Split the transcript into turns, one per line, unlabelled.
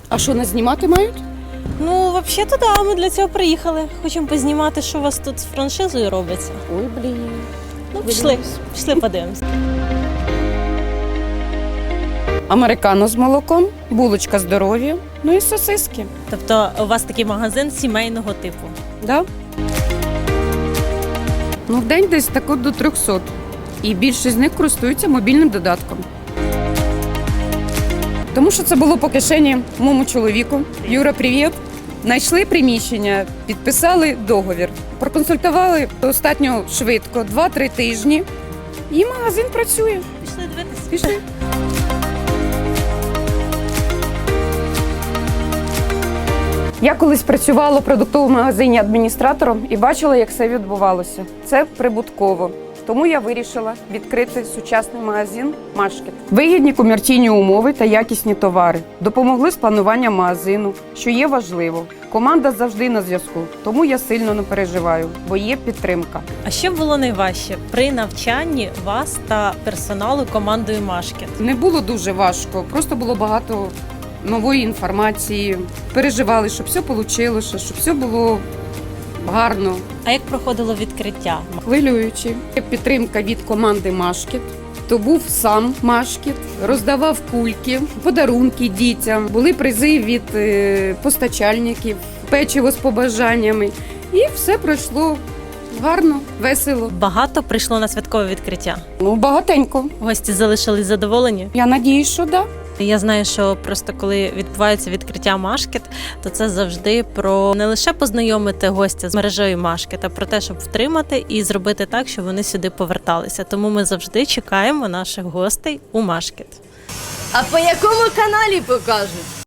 А що, нас знімати мають?
Ну, взагалі-то да, ми для цього приїхали. Хочемо познімати, що у вас тут з франшизою робиться.
Ой, блін.
Ну, пішли подивимося.
Американо з молоком, булочка здоров'я, ну і сосиски.
Тобто у вас такий магазин сімейного типу.
Да? Ну, в день десь так от до 300. І більшість з них користуються мобільним додатком. Тому що це було по кишені моєму чоловіку. Юра, привіт. Знайшли приміщення, підписали договір. Проконсультували достатньо швидко, 2-3 тижні. І магазин працює.
Пішли дивитися.
Пішли. Я колись працювала в продуктовому магазині адміністратором і бачила, як все відбувалося. Це прибутково. Тому я вирішила відкрити сучасний магазин «Машкет». Вигідні комерційні умови та якісні товари допомогли з плануванням магазину, що є важливо. Команда завжди на зв'язку, тому я сильно не переживаю, бо є підтримка.
А що було найважче при навчанні вас та персоналу командою Машкет?
Не було дуже важко, просто було багато нової інформації. Переживали, щоб все вийшло, щоб все було гарно.
А як проходило відкриття?
Хвилюючи. Підтримка від команди «Машкет». То був сам Машкет, роздавав кульки, подарунки дітям, були призи від постачальників, печиво з побажаннями. І все пройшло гарно, весело.
Багато прийшло на святкове відкриття.
Ну, багатенько.
Гості залишились задоволені.
Я надіюсь, що так.
Я знаю, що просто коли відбувається відкриття Машкет, то це завжди про не лише познайомити гостя з мережею Машкет, а про те, щоб втримати і зробити так, щоб вони сюди поверталися. Тому ми завжди чекаємо наших гостей у Машкет.
А по якому каналі покажуть?